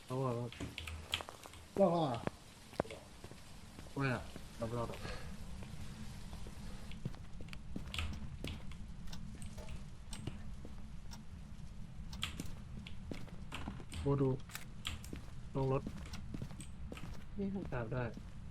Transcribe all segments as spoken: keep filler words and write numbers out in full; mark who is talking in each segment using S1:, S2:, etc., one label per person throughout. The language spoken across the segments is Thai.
S1: เอาว่าว่าว่าว่ารอบรอบโบดูลงรถ
S2: นี่ครับ
S1: ตามได้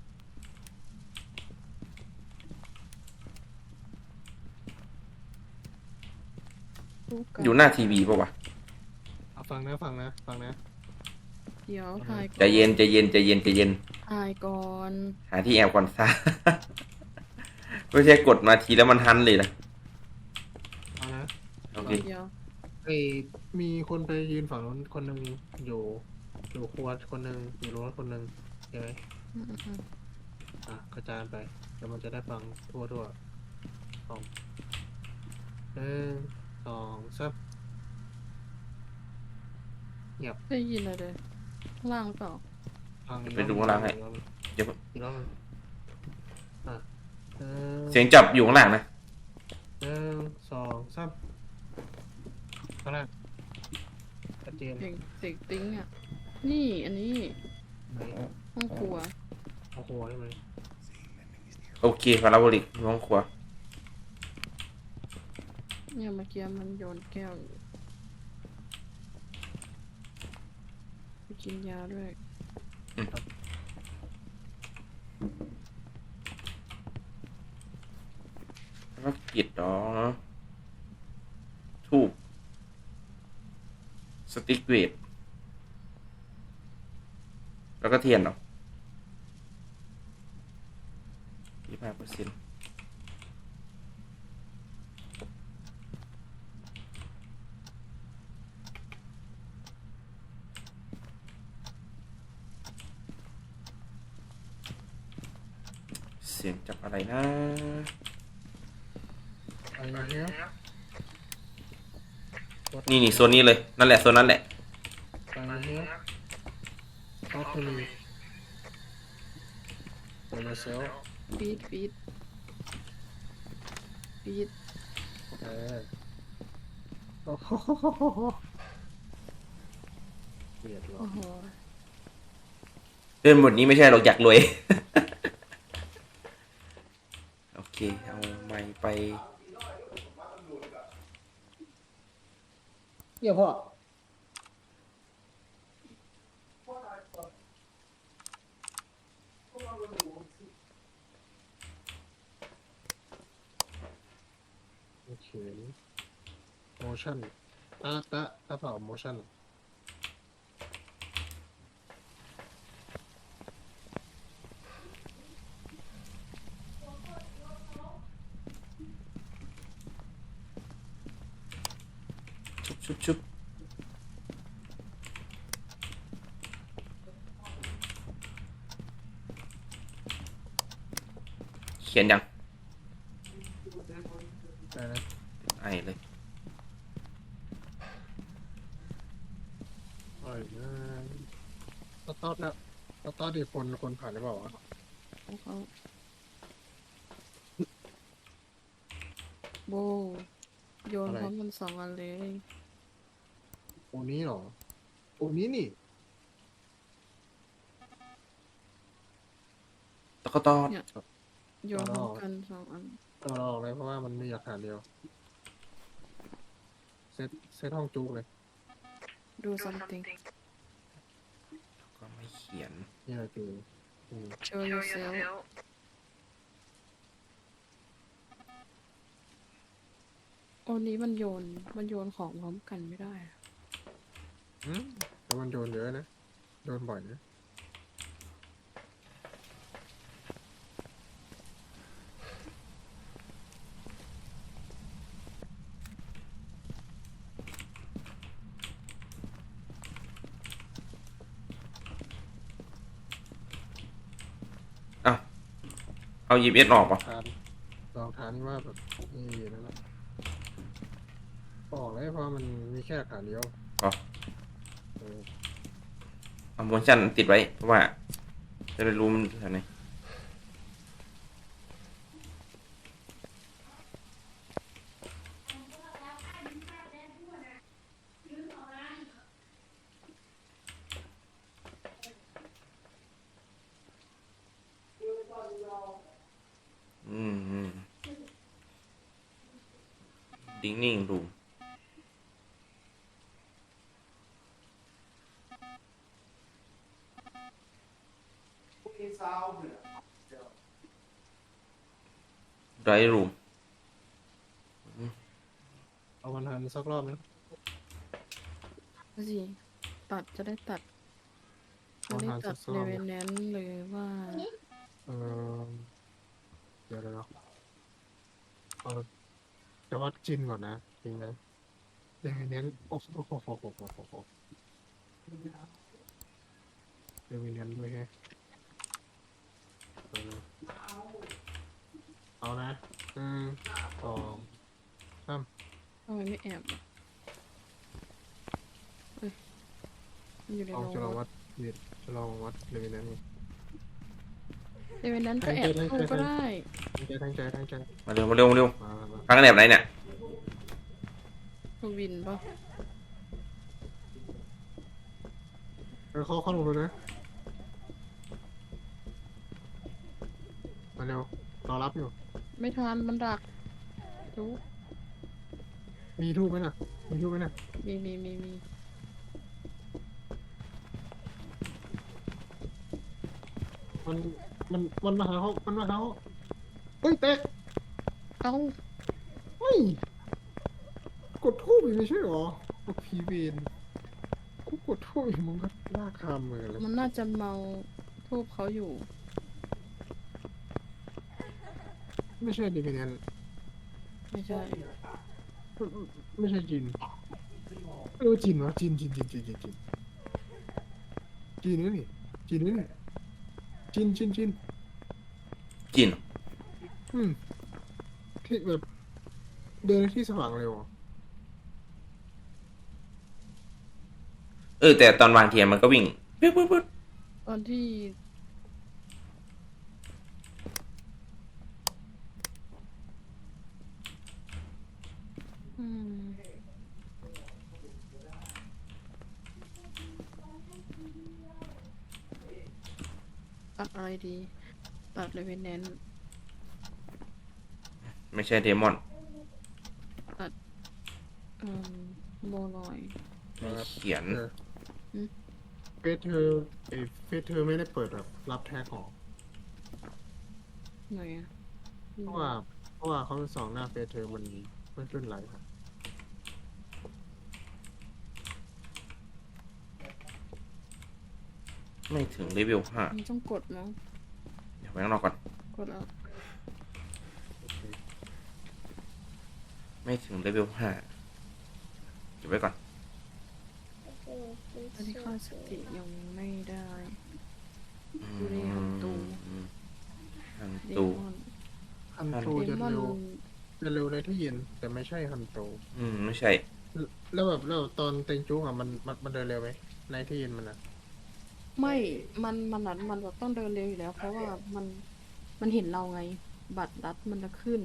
S2: ลูกกัน
S3: อยู่หน้าทีวีป่าวะ
S1: เอาฟังนะฟังนะฟังนะ
S2: เดี๋ยวถ่ายก่
S3: ใจ
S2: อน
S3: เย็นใจเย็นใจเย็นใจเย็น
S2: ถ่ายก่อน
S3: หาที่แอบก่อนซะ ไม่ใช่กดมาทีแล้วมันทันเลยนะ
S1: เอานะ
S3: โอเค
S2: เดี๋ยว
S1: ไอ้มีคนไปยืนฝั่งนู้นคนหนึ่งอยู่อยู่ครัวคนหนึ่งอยู่รถคนหนึ่งใช่ไหม
S2: อืมอืม
S1: อ่ะกระจายไปเดี๋ยวมันจะได้ฟังทั่วทั่วสองหนึ่งสองสามเงียบ
S2: ได้ยินอะไรเลยข้างล่างหรือเปล่า
S1: ฟังอีก
S3: ไปดูข้างล่างให้
S1: อีกรอบหนึ่ง
S3: เดี๋ยว
S1: อีกรอบหนึ่งอ่ะหนึ่ง
S3: เสียงจับอยู่ข้างล่างนะ
S1: หนึ่งสองสามข้างล่างชัดเจน
S2: เสียงเสียงติ้งอ่ะนี่อันนี้
S1: ไหน
S2: ห้องครัว
S1: เอาโหใช่ไหม
S3: โอเคพาราโบลิกห้องครัว
S2: เนี่ยเมื่อกี้มันโยนแก้วอยู่ไปกินยาด้วย
S3: ภารกิจอ๋อทูบสติ๊กเวทแล้วก็เทียนเนาะยี่สิบห้าเปอร์เซ็นต์เสียงจับอะไรนะ
S1: ไปมาเนี้ย
S3: นี่นี่โซนนี้เลย นั่นแหละโซนนั้นแหละ
S1: ไปมาเนี้ยก็คือเปิดมาเซล
S2: ฟีดฟีดฟีด
S1: เออโอ้โหเบียดหรอ
S2: โอ้โห
S3: เดินหมดนี้ไม่ใช่หรอกอยากรวย โอเค เอาไม้ไป
S1: เยี่ยพ่อโอเค motion อ่ะตะตะเปล่า motion
S3: ชุบชุบชุบเขียนยัง
S1: ได้นะ
S3: ไอเลย
S1: โอ้ยนะตอดแล้วตอดดีคนคนผ่านหรือเปล่าวะ
S2: ของเขาโบโยนพร้อมกันสองอันเลย
S1: โอนี้เหรอโอนี้นี่
S3: ตะกตอด
S2: เนี่ยโยนพร้อมกันสองอัน
S1: ก็เราออกเลยเพราะว่ามันมีหลักฐานเดียว เซตเซตห้องจุกเลย
S2: ดู something
S3: ก็ไม่เขียน
S1: นี่แหละคืออืม
S2: show yourself โอ้นี้มันโยนมันโยนของพร้อมกันไม่ได้อะ
S1: อืมแต่มันโดนเยอะนะ โดนบ่อยนะ
S3: อ้าวเอายิบเอสออกป่ะ
S1: ฐานลองฐานว่าแบบนี่นั่นแหละบอกเลยเพราะมันมีแค่หลักฐานเดียว
S3: อ๋อ
S1: เออ
S3: เอาโมชั่นติดไว้ เพราะว่า จะได้รู้มันแถวไหน cleaning room ไรรูม
S1: เอาวันทันสักรอบไหม
S2: ก็สิตัดจะได้ตัดจะได้ตัดเลเวลนั้นเลยว่า
S1: เออเดี๋ยวเดี๋ยวเออจะวัดจินก่อนนะจริงนะเดี๋ยวเน้นโอ้โหโอ้โหโอ้โหโอ้โหเดี๋ยวเน้นด้วยแฮะเออเอานะหนึ่งสองสาม
S2: ทำไมไม่แอบอ่ะเฮ้ยมันอยู่ใน
S1: ลอง
S2: โรง
S1: จะลอง
S2: ร
S1: วั
S2: ถ
S1: ดเนี่ยจะลองวัดเลเวลนั้น
S2: เลเวลนั้นก็แอบเข้าก็ได้
S1: ตั้งใจตั้งใจตั้งใจ
S3: มาเร็วมาเร็วมาเร็ว
S1: มามามา
S3: พักกันแบบไหนเนี่ย
S2: ทวินปะ
S1: เออเข้าเข้าลงเลยนะมาเร็วรอรับอยู่
S2: ไม่ทันมันดักดู
S1: มีทูบไหมน่ะมีทูบไหมน่ะ
S2: มีมีมีมี
S1: มันมันมันมาหาเขามันมาหาเขาเฮ้ยเตะ
S2: เอ้า
S1: เฮ้ยกดทูบอีกไม่ใช่หรอโอ้พีเวนกูกดทูบอีกมึงก็ลากคามมือเลย
S2: มันน่าจะเมาทูบเขาอยู่
S1: ไม่ใช่ดิเมนน
S2: ไม่ใช่
S1: ไม่ใช่จินเออจินวะจินจินจินจินจินจินจินนี่จินนี่จินจินจิน
S3: กิน
S1: อืมที่แบบเดินในที่สว่างเร็วอ่ะ
S3: เออแต่ตอนวางเทียนมันก็วิ่งปึ๊บปึ๊บปึ๊บ
S2: ตอนที่อืมตัดอะไรดี ตัดเลเวนแนน
S3: ไม่ใช่เดมอน
S2: เอ่อโบลอย
S3: ไม่เขียน
S1: เออ
S2: อืม
S1: เฟซเธอเอยเฟซเธอไม่ได้เปิดแบบรับแท็กออก
S2: ไหนอะ
S1: เพราะว่าเพราะว่าเขาสองหน้าเฟซเธอมันไม่ขึ้นไลฟ์ครับ
S3: ไม่ถึงเลเวลห้า
S2: มันต้องกดมั้ง
S3: เดี๋ยวไปข้างนอกก่อน
S2: กดแล้ว
S3: ไม่ถึงเลเวลห้าเก็บไว้ก่อน
S2: อันนี้ค่าสติยังไม่ได้
S3: อื
S2: ดูดิฮันตู
S3: มฮัน
S2: เด
S3: ตู
S2: มอน
S1: ฮันโต
S2: เด
S1: จะ
S2: มอน
S1: เร็วจะเร็วในที่เย็นแต่ไม่ใช่ฮันโต
S3: อืมไม่ใช่
S1: แล้วแบบแล้วตอนเต็งจุ้งอ่ะมันมันมันเดินเร็วไหมในที่เย็นมันอ่ะ
S2: ไม่ มันมันนัดมันแบบต้องเดินเร็วอยู่แล้ว เพราะว่ามันมันเห็นเราไง บัตรรัดมันจะขึ้น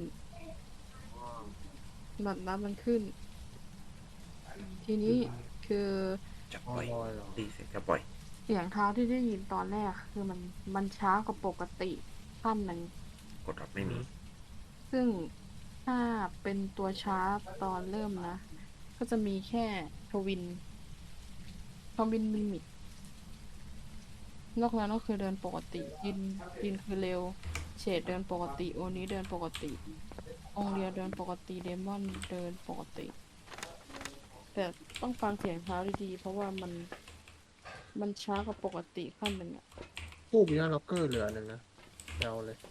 S2: บัตรรัดมันขึ้น ทีนี้คือ
S3: จะ
S1: อ๋
S3: ป
S1: อ
S3: ล่อย
S1: ลอยเหรอ
S3: ตีเสร็จจะปล่อย
S2: เสียงเท้าที่ได้ยินตอนแรก คือมันมันช้ากว่าปกติขั้นหนึ่ง
S3: กดรับไม่มี
S2: ซึ่งถ้าเป็นตัวช้าตอนเริ่มนะ ก็จะมีแค่ทวินทวินลิมิต นอกนั้นก็คือเดินปกติยินยินคือเร็ว เฉดเดินปกติ โอนี้เดินปกติ องเรียเดินปกติ เดมอนเดินปกติ แต่ต้องฟังเสียงเท้าดีๆ เพราะว่ามันมันช้ากว่าปกติขั้นหนึ่งอะ
S1: ผู้มีหน้าล็อกเกอร์เหลือหนึ่งนะเดาเลย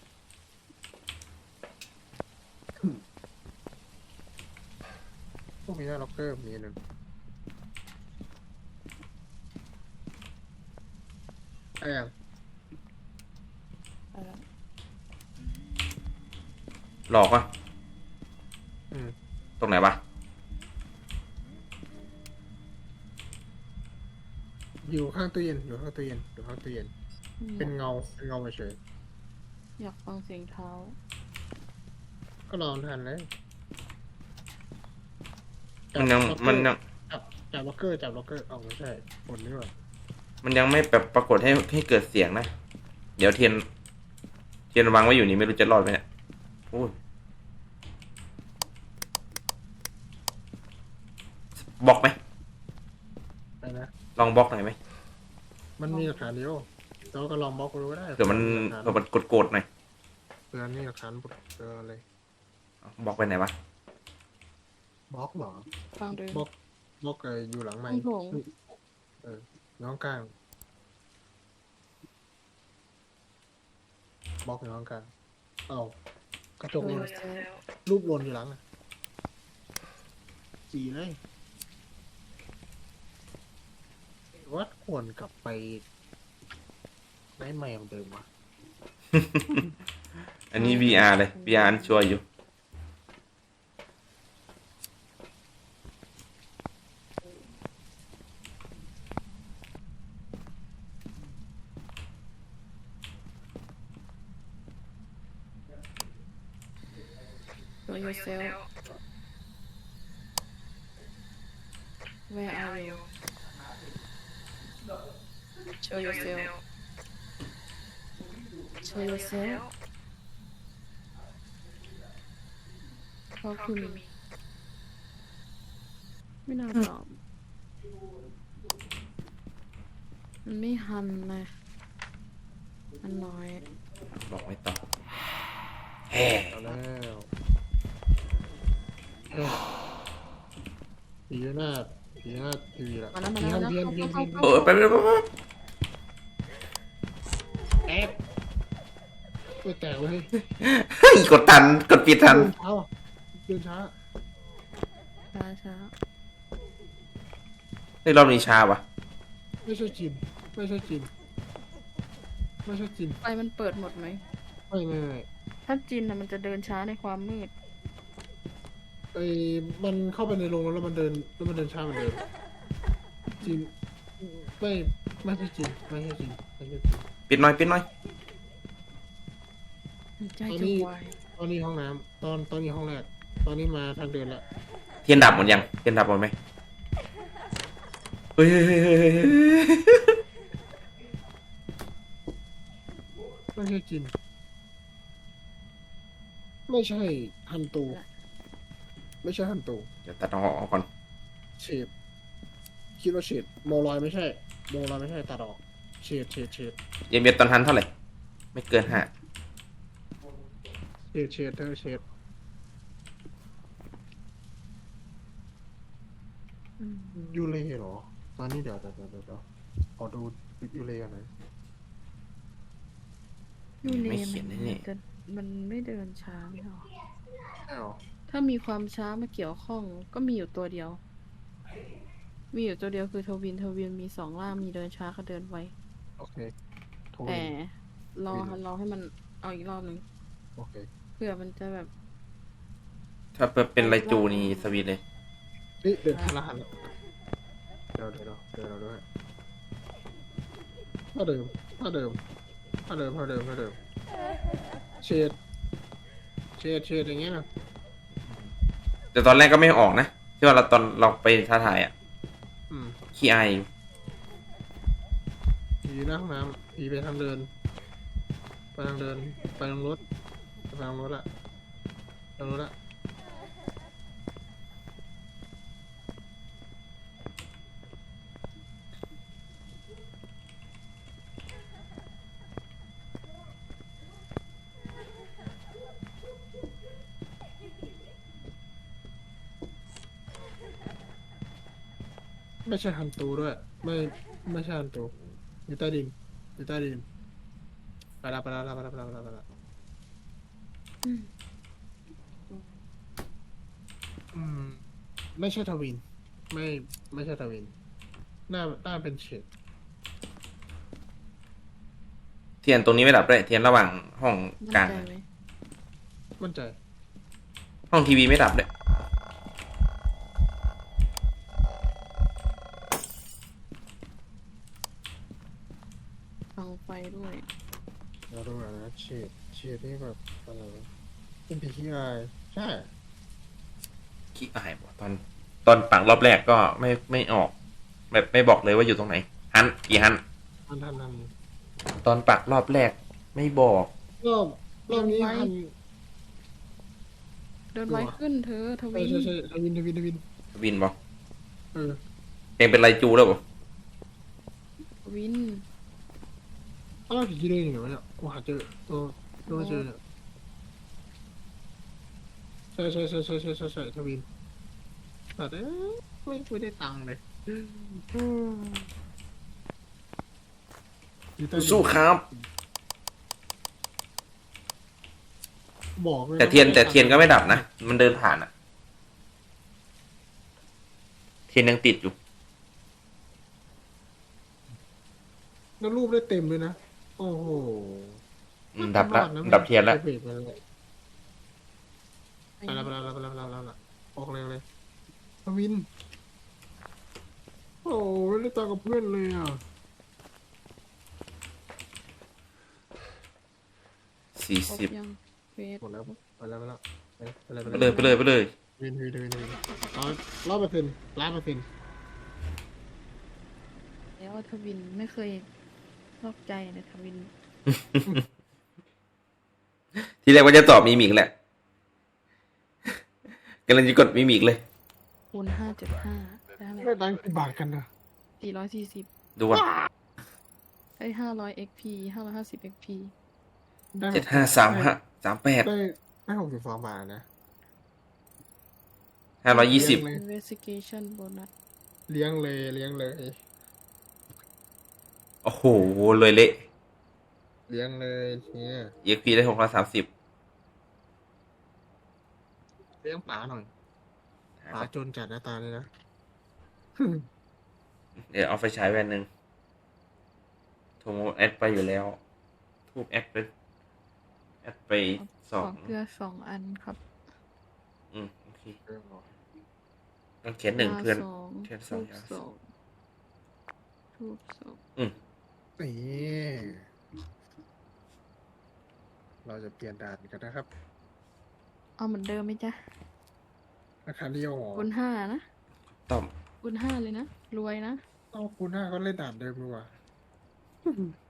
S1: ผู้มีหน้าล็อกเกอร์มีหนึ่งไอ้ยัง
S2: อะไร
S3: หลอกวะ
S1: อืม
S3: ตรงไหนวะ
S1: อยู่ข้างตู้เย็นอยู่ข้างตู้เย็นอยู่ข้างตู้เย็น
S2: อืม
S1: เป็นเงาเป็นเงาเฉย
S2: อยากฟังเสียงเท้า
S1: ๆก็รอทันเลย
S3: มันยัง
S1: จับ
S3: มันยัง
S1: จับจับล็อกเกอร์จับล็อกเกอร์เอาไม่ใช่คนนี้ว่ะ
S3: มันยังไม่แบบปรากฏให้ให้เกิดเสียงนะ เดี๋ยวเทียน เทียนวางไว้อยู่นี่ไม่รู้จะรอดไหมเนี่ยโอ้ยลองบล็อกหน่อยไหม
S1: มันมีหลักฐานเดียวเราก็ลองบล็อกดูก็ได้
S3: เผื่อมัน
S1: หลัก
S3: เผื่อ
S1: ฐาน
S3: มันกดๆหน่อย
S1: เผื่อนี่หลักฐานเจออะไร
S3: บล็อกไปไหนวะ
S1: บล็อกเหรอ
S2: ฟังดู
S1: บล็อกบล็อกไอ้อยู่หลังไม้
S2: ห้องโถง
S1: เออน้องกลางบล็อกอยู่น้องกลางเอ้ากระจก
S2: โด
S1: ห
S2: ย
S1: ล่น
S2: เซล
S1: รูปหล่นอยู่หลังอะจีเลยว่าควรกลับไปได้ใหม่เหมือนเดิมวะ
S3: อันนี้ วี อาร์ เลย วี อาร์ ชัวร์อยู่
S2: โดยเซล Where are you Show yourself Show yourself Talk to me ไม่น่าตอบมันไม่หันนะมันน้อย
S3: บอกไม่ต่อแฮ่
S1: เอาแล้วเอ้ยผีหน้าผีหน้าทีวีละ
S2: มาแล้วมา
S1: ผี
S2: แล้ว
S1: หัน
S2: มา
S1: เพี้ยน
S2: แล้ว
S1: เพี้ยน
S2: เข้า
S1: เพี้ยน
S2: เข้า
S3: เออไปไปไปไป
S1: แอบไม่แตกเลย
S3: เฮ้ยกดทัน กดปิดทัน
S1: เดินช้าว่ะเดินช้า
S2: ช้าช้า
S3: ในรอบนี้ช้าวะ
S1: ไม่ใช่จีนไม่ใช่จีนไม่ใช่จีน
S2: ไฟมันเปิดหมดไหม
S1: ไม่ไม่ไม่
S2: ถ้าจินนะมันจะเดินช้าในความมืด
S1: ไอ้มันเข้าไปในโรงแล้วมันเดินแล้วมันเดินช้าเหมือนเดิมจีนไม่ไม่ใช่จีนไม่ใช่จีนไม่ใช่จีน
S3: ปิดหน่อย ปิดหน่อย
S2: ใจ
S1: ตอน
S2: จะ
S1: นี้
S2: วาย
S1: ตอนนี้ห้องน้ำตอนตอนนี้ห้องแรกตอนนี้มาทางเดินละ
S3: เทียนดับหมดยัง เทียนดับหมดไหมเฮ้ยเฮ้ยเฮ้ยเฮ้ยเฮ้ย
S1: ไม่ใช่จีนไม่ใช่ฮันตูไม่ใช่ฮันตู
S3: เดี๋ยวตัดออกก่อน
S1: เฉดคิดว่าเฉดโมลอยไม่ใช่โมลอยไม่ใช่ตัดออกเฉดเฉดเฉด
S3: เยเมียตอนทันเท่าไหร่ ไม่เกินห้า
S1: เฉดเฉดเธอเฉด
S2: อืม
S1: ยูเล่เหรอตอนนี้เดี๋ยวเดี๋ยวเดี๋ยวเดี๋ยวขอดูยูเล่กันหน่อย
S2: ยูเล
S3: ไม่เขียน
S2: มั
S3: แน่
S2: จะมันไม่เดินช้าไม่หรอ
S1: อ้าว
S2: ถ้ามีความช้ามาเกี่ยวข้องก็มีอยู่ตัวเดียว มีอยู่ตัวเดียวคือทวินทวินมีสองล่างมีเดินช้ากับเดินไว
S1: โอเคโทร
S2: แต่รอรอให้มันเอาอีกรอบหนึ่ง
S1: โอเค
S2: เผื่อมันจะแบบ
S3: ๆถ้าเป็นไรจูนี่สวีทเลย
S1: นี่เดินทางละหันละเดี๋ยวเดี๋ยวเดี๋ยวเดี๋ยวเดี๋ยวด้วยถ้าเดิมถ้าเดิมถ้าเดิมถ้าเดิมถ้าเดิมเฉดเฉดเฉดอย่างเงี้ยนะ
S3: แต่ตอนแรกก็ไม่ออกนะ ที่ว่าเราตอนเราไปท้าทายอ่ะ
S1: อืม
S3: ขี้อายอยู่
S1: ผีหน้าห้องน้ำผีไปทางเดิน ไปทางเดิน ไปทางรถ ไปทางรถละทางรถละ ไม่ใช่ฮันตูด้วย ไม่ไม่ใช่ฮันตูอยู่ใต้ดินอยู่ใต้ดินไปละไปละไปละไปละไปละไปละ
S2: อืม
S1: อืมไม่ใช่ทวิน ไม่ไม่ใช่ทวินหน้าหน้าเป็นเฉด
S3: เทียนตรงนี้ไม่ดับด้วย เทียนระหว่างห้อง
S2: มั่น
S3: กลาง
S2: ใจไหม
S1: มั่นใจ
S3: ห้องทีวีไม่ดับด้วย
S2: ฟังไฟด้วย
S1: เราดูหน่อยนะเฉดเฉดนี่แบบอะไรวะเป็นผีขี้อายใช่
S3: ขี้อายบอกตอนตอนปักรอบแรกก็ไม่ไม่ออก แบบไม่บอกเลยว่าอยู่ตรงไหน ฮันกี่ฮัน
S1: ทันทันทัน
S3: ตอนปักรอบแรกไม่บอก
S1: รอบรอบนี้ทัน
S2: เดินไวขึ้นเธอท
S1: ใช่
S2: วิน
S1: ใช่ใช่ทวินทวินทวิน
S3: วินบอก
S1: เออ
S3: เองเป็นไรจูแล้วบอก
S2: วิน
S1: อ้าวผีกินเลยอยู่ไหนวะเนี่ยกูหาเจอตัวตัวเจอเนี่ยใช่ใช่ใช่ใช่ใช่ใช่ใช่ทวินแต่เอ้ยไม่ไม่ได้ตังค์เลยอืมอยู่ใต้ดิน
S3: สู้ครับ
S1: บอกเลย
S3: แต่เทียนแต่เทียนก็ไม่ดับนะ มันเดินผ่านอะเทียนยังติดอยู่
S1: แล้วรูปได้เต็มเลยนะโอ้โห
S3: อืมดับละ
S1: รอนะ
S3: ดับเทียนละ
S1: ไปเบรกไปเลยไปแล้วไปแล้วไปแล้วไปแล้วไปแล้วไปแล้วออกเร็วเลยทวินโอ้ไม่ได้ตังค์กับเพื่อนเลยอ่ะ
S3: สี่
S2: ครบ
S3: สิบ
S2: ยังเฟส
S1: หมดแล้วไปแล้วไปแล้วไปแล้ว
S3: ไปเลยไปเลยไปเลย
S1: วินวินวินวินร้อยร้อยเปอร์เซ็นต์ร้อยเปอร์เซ็นต์
S2: แล้วทวินไม่เคยนอกใจนะทวิน
S3: ทีแรกว่าจะตอบมีมิกแหละกำลังจะกดมีมิกเลย
S2: คูณห้าจุดห้าได้ไหม
S1: ได้ตังค์กี่บาทกันนะ
S2: สี่ร้อยสี่สิบ
S3: ดูว่า
S2: ได้ห้าร้อยเอ็กพีห้าร้อยห้าสิบเอ็กพี
S1: ได้
S3: เจ็ดห้าสามห้าสามแปด
S1: ได้ได้หกสิบสองบาทนะ
S3: ห้าร้อยยี่สิบ
S1: เลี้ยงเลย
S2: investigation bonus
S1: เลี้ยงเลยเลี้ยงเลย
S3: โอ้โหเลยเละ
S1: เลี้ยงเลยเนี่ย
S3: เอ็กพีได้หกร้อยสามสิบ
S1: เลี้ยงป๋าหน่อยป๋าจนจัดหน้าตาเลยนะ
S3: เดี๋ยวเอาไฟฉายแว่นหนึ่งโทรแอดไปอยู่แล้ว ทูบแอดไปแอดไปส
S2: ข
S3: อ
S2: อง เกลือสองอันครับ
S3: อืมโอเคต้องเขียนหนึ่งเพื่อน
S2: สอง
S3: เทียนสอง
S2: ทูบสองทูบสอง
S3: อืม
S1: นี่เราจะเปลี่ยนด่านกันนะครับ
S2: เอาเหมือนเดิมไหมจ๊ะ
S1: ราคาเดียวเหรอ
S2: คูณห้านะ
S3: ต้อม
S2: คูณห้าเลยนะ รวยนะ
S1: เอาคูณห้าก็เล่นด่านเดิมดีกว่า